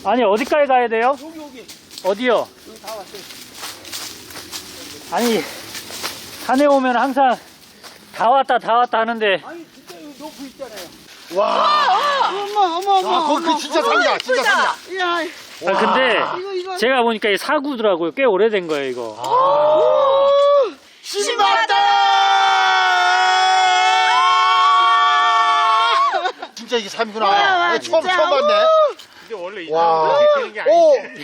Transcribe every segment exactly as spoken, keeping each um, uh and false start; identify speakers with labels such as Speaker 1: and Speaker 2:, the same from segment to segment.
Speaker 1: 아니 어디까지 가야 돼요?
Speaker 2: 여기 여기
Speaker 1: 어디요?
Speaker 2: 여기 다 왔어요.
Speaker 1: 아니 산에 오면 항상 다 왔다 다 왔다 하는데
Speaker 2: 아니 진짜 여기 높이 있잖아요.
Speaker 3: 와.
Speaker 4: 어머 어머 어머.
Speaker 3: 아, 거기 그 진짜 산이야. 진짜 산이야.
Speaker 4: 야,
Speaker 1: 아, 근데
Speaker 4: 이거 이거.
Speaker 1: 제가 보니까 이 사구더라고요. 꽤 오래된 거예요 이거.
Speaker 3: 신봤다. 진짜 이게 삶이구나.
Speaker 4: 와, 와,
Speaker 3: 네, 처음
Speaker 4: 진짜.
Speaker 3: 처음 봤네.
Speaker 5: 이게 원래 이
Speaker 3: 와.
Speaker 5: 사람이 되는 게
Speaker 3: 오.
Speaker 5: 아닌데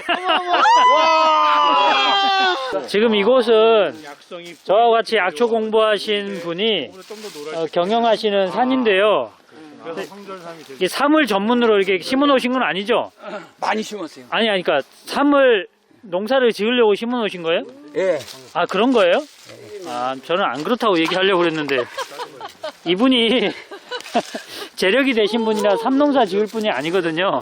Speaker 3: 와.
Speaker 1: 지금 이곳은
Speaker 5: 약성이
Speaker 1: 저와 같이 약초 공부하신 분이
Speaker 5: 좀더 놀아.
Speaker 1: 어, 경영하시는 산인데요.
Speaker 5: 그래서 성절삼이 되고.
Speaker 1: 이게 사물 전문으로 이렇게 심어 놓으신 건 아니죠?
Speaker 2: 많이 심었어요.
Speaker 1: 아니 아니 그러니까 사물 농사를 지으려고 심어 놓으신 거예요?
Speaker 2: 예.
Speaker 1: 아 그런 거예요? 아 저는 안 그렇다고 얘기하려고 그랬는데 이분이 재력이 되신 분이라 삼농사 지을 분이 아니거든요.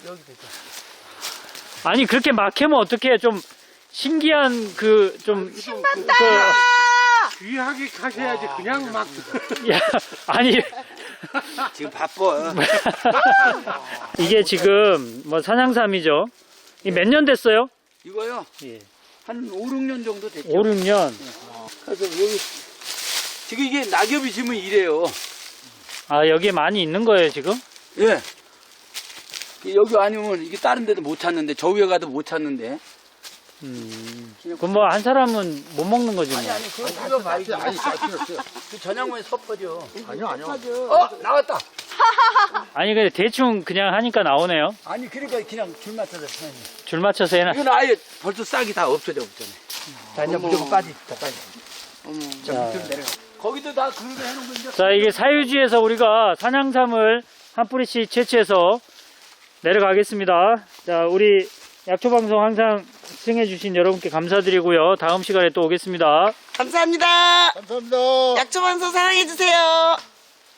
Speaker 1: 아니 그렇게 막 해면 어떡해. 좀 신기한 그좀 그,
Speaker 5: 귀하게 하셔야지 그냥 막.
Speaker 1: 야, 아니
Speaker 2: 지금 바빠.
Speaker 1: 이게 지금 뭐 산양삼이죠. 이 몇 년 됐어요?
Speaker 2: 이거요.
Speaker 1: 예.
Speaker 2: 한 오, 육 년 정도 됐죠.
Speaker 1: 오, 육 년.
Speaker 2: 그래서 여기 지금 이게 낙엽이 지면 이래요.
Speaker 1: 아 여기에 많이 있는 거예요 지금?
Speaker 2: 예. 여기 아니면 이게 다른 데도 못 찾는데 저 위에 가도 못 찾는데.
Speaker 1: 음. 그럼 뭐 한 사람은 못 먹는 거지 뭐.
Speaker 2: 아니 아니 그거 이거 봐야지.
Speaker 3: 아니, 아니, 아니,
Speaker 2: 그 전양만에 섭퍼져.
Speaker 3: 아니요, 아니요.
Speaker 2: 어 나왔다.
Speaker 1: 아니 근데 대충 그냥 하니까 나오네요.
Speaker 2: 아니 그러니까 그냥 줄 맞춰서 사는.
Speaker 1: 줄 맞춰서 해놔.
Speaker 2: 이건 아예 벌써 싹이 다 없어져 없잖아요. 자 이제 무조건 빠지. 자 빠지. 어머. 자
Speaker 1: 자.
Speaker 2: 밑으로 내려가. 거기도 다 그거 해놓은 거 이제.
Speaker 1: 자 이게 사유지에서 우리가 산양삼을 한 뿌리씩 채취해서 내려가겠습니다. 자 우리 약초방송 항상 시청해주신 여러분께 감사드리고요. 다음 시간에 또 오겠습니다.
Speaker 4: 감사합니다.
Speaker 3: 감사합니다.
Speaker 4: 약초반서 사랑해주세요.